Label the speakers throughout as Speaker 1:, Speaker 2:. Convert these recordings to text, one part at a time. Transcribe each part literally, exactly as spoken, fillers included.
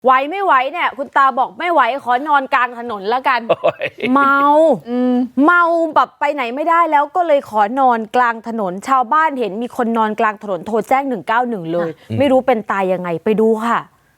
Speaker 1: ไหวไม่ไหวเนี่ยคุณตาบอกไม่ไหวขอนอนกลางถนนแล้วกันเมาเมาแบบไปไหนไม่ได้แล้วก็เลยขอนอนกลางถนนชาวบ้านเห็นมีคนนอนกลางถนนโทรแจ้งหนึ่งเก้าหนึ่งเลยไม่รู้เป็นตายยังไงไปดูค่ะ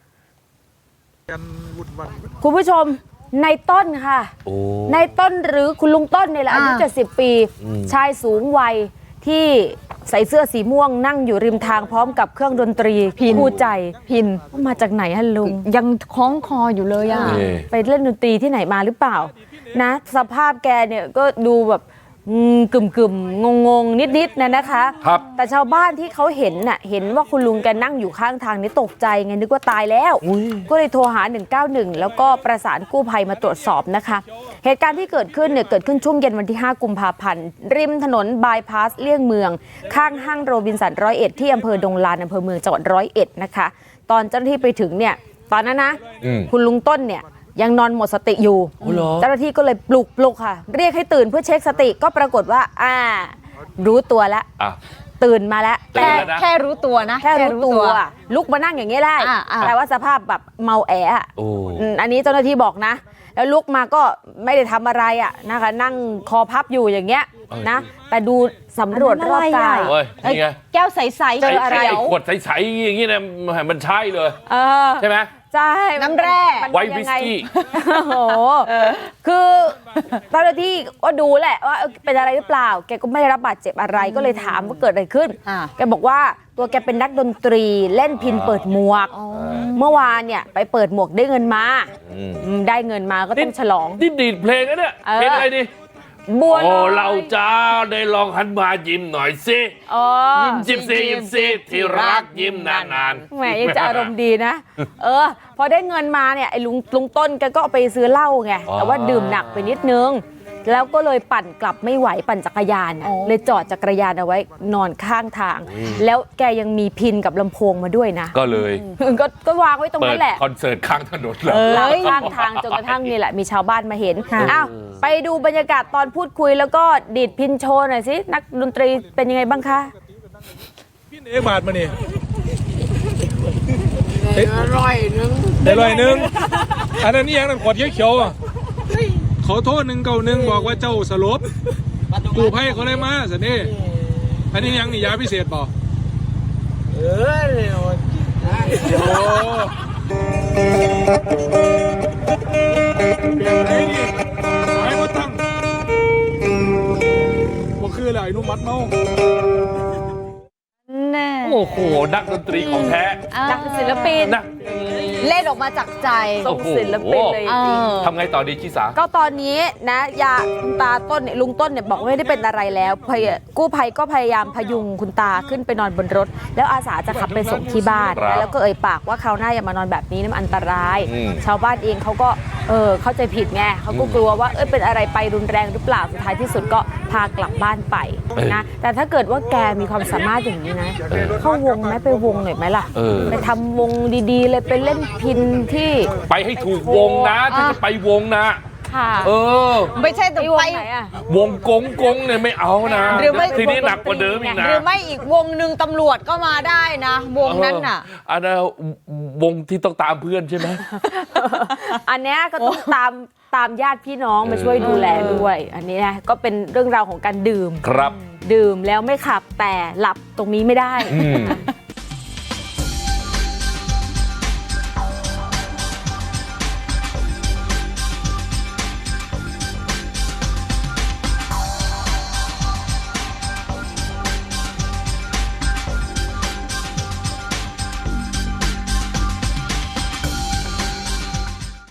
Speaker 1: คุณผู้ชมในต้นค่ะในต้นหรือคุณลุงต้นเนี่ยแหละอายุเจ็ดสิบปีชายสูงวัยที่ใส่เสื้อสีม่วงนั่งอยู่ริมทางพร้อมกับเครื่องดนตรีคู่ใจพินมาจากไหนฮะลุง
Speaker 2: ยังคล้องคออยู่เลยอ่ะ
Speaker 1: ไปเล่นดนตรีที่ไหนมาหรือเปล่านะสภาพแกเนี่ยก็ดูแบบกึ่มกึ่มงงงนิดนิดนะนะคะครับแต่ชาวบ้านที่เขาเห็นน่ะเห็นว่าคุณลุงแกนั่งอยู่ข้างทางนี้ตกใจไงนึกว่าตายแล้วก็เลยโทรหาหนึ่งเก้าหนึ่งแล้วก็ประสานกู้ภัยมาตรวจสอบนะคะเหตุการณ์ที่เกิดขึ้นเนี่ยเกิดขึ้นช่วงเย็นวันที่ห้ากุมภาพันธ์ริมถนนบายพาสเลี่ยงเมืองข้างห้างโรบินสันร้อยเอ็ดที่อำเภอดงลานอำเภอเมืองจังหวัดร้อยเอ็ดนะคะตอนเจ้าหน้าที่ไปถึงเนี่ยตอนนั้นนะคุณลุงต้นเนี่ยยังนอนหมดสติอยู่เจ้าหน้าที่ก็เลยปลุกปลุกค่ะเรียกให้ตื่นเพื่อเช็คสติก็ปรากฏว่าอ่ารู้ตัวแล้วตื่นมาแล้ว
Speaker 2: แค่แค่รู้ตัวนะ
Speaker 1: แค่รู้ตัวลุกมานั่งอย่างนี้ได้แต่ว่าสภาพแบบเมาแออ่ะอันนี้เจ้าหน้าที่บอกนะแล้วลุกมาก็ไม่ได้ทำอะไรอ่ะนะคะนั่งคอพับอยู่อย่างเงี้ยนะแต่ดูสำรวจรอบกาย
Speaker 2: แก้วใสๆ
Speaker 3: เจออะไรขวดใสๆอย่างนี้นะมันใช่เลยใช่ไหม
Speaker 1: ใช่
Speaker 2: น้ำแร่
Speaker 3: ไวน์วิสกี้
Speaker 1: โอ้โหคือเจ้าหน้าที่ก็ดูแหละว่าเป็นอะไรหรือเปล่าแกก็ไม่ได้รับบาดเจ็บอะไรก็เลยถามว่าเกิดอะไรขึ้นแกบอกว่าตัวแกเป็นนักดนตรีเล่นพิณเปิดหมวกเมื่อวานเนี่ยไปเปิดหมวกได้เงินมาได้เงินมาก็ต้องฉลอง
Speaker 3: นี่ดีดเพลงนะเนี่ยเพลงอะไรดิ
Speaker 1: บัว
Speaker 3: โอ้เราจ้าได้ลองหันมายิ้มหน่อยสิยิ้มยิ้มสิยิ้มสิที่รักยิ้มนาน
Speaker 1: ๆแหมยังจะอารมณ์ดีนะเออพอได้เงินมาเนี่ยไอ้ลุงลุงต้นแกก็เอาไปซื้อเหล้าไงแต่ว่าดื่มหนักไปนิดนึงแล้วก็เลยปั่นกลับไม่ไหวปั่นจักรยานเลยจอดจักรยานเอาไว้นอนข้างทางแล้วแกยังมีพินกับลำโพงมาด้วยนะ
Speaker 3: ก็เลย
Speaker 1: ก็ก็วางไว้ตรงนั้นแหละ
Speaker 3: คอนเสิร์ตข้างถนนเลย
Speaker 1: ข้างทางจนกระทั่งนี่แหละมีชาวบ้านมาเห็นอ้าวไปดูบรรยากาศตอนพูดคุยแล้วก็ดีดพินโชว์หน่อยสินักดนตรีเป็นยังไงบ้างคะ
Speaker 4: พินเอบาทมาเนี่ย
Speaker 5: อร่อยนึง
Speaker 4: อร่อยนึงอันนั้นนี่ยังนั่นขวดเขียวๆขอโทษหนึ่งเก่าหนึ่งบอกว่าเจ้าสลบกูไพ่เขาเลยมาสันนี่อันนี้ยังนี่ยาพิเศษบอก
Speaker 5: เออเดี๋ยว
Speaker 4: โอ้เปลี่ยนไหนดิสายมาตั้งว่าคืออะไรนุ่มมัดเมา
Speaker 3: โอ้โหนักดนตรีของแท้
Speaker 1: นักศิลปิน
Speaker 2: เล่นออกมาจากใจ
Speaker 1: ส่งศิลปินเลย
Speaker 3: ทำไงต่อดีชิสา
Speaker 1: ก็ตอนนี้นะยาคุณตาต้นเนี่ยลุงต้นเนี่ยบอกไม่ได้เป็นอะไรแล้วกู้ภัยก็พยายามพยุงคุณตาขึ้นไปนอนบนรถแล้วอาสาจะขับไปส่งที่บ้านแล้วก็เอ่ยปากว่าคราวหน้าอย่ามานอนแบบนี้มันอันตรายชาวบ้านเองเขาก็เออเข้าใจผิดไงเขาก็กลัวว่าเอ้ยเป็นอะไรไปรุนแรงหรือเปล่าสุดท้ายที่สุดก็พากลับบ้านไปนะแต่ถ้าเกิดว่าแกมีความสามารถอย่างนี้นะเข้าวงไหมไปวงหน่อยไหมล่ะไปทำวงดีๆเลยไปเล่นพิณที่
Speaker 3: ไปให้ถูกวงนะถ้าจะไปวงนะเออ
Speaker 2: ไม่ใช่แต่ไป
Speaker 3: วงกงกงเนี่ยไม่เอานะทีนี้หนักกว่าเดิมอีกนะ
Speaker 2: หรือไม่อีกวงหนึ่งตำรวจก็มาได้นะวงนั้นน่ะ
Speaker 3: อันนั้นวงที่ต้องตามเพื่อนใช่ไหม
Speaker 1: อันนี้ก็ต้องตามตามญาติพี่น้องมาช่วยดูแลด้วยอันนี้นะก็เป็นเรื่องราวของการดื่ม
Speaker 3: ครับ
Speaker 1: ดื่มแล้วไม่ขับแต่หลับตรงนี้ไม่ได้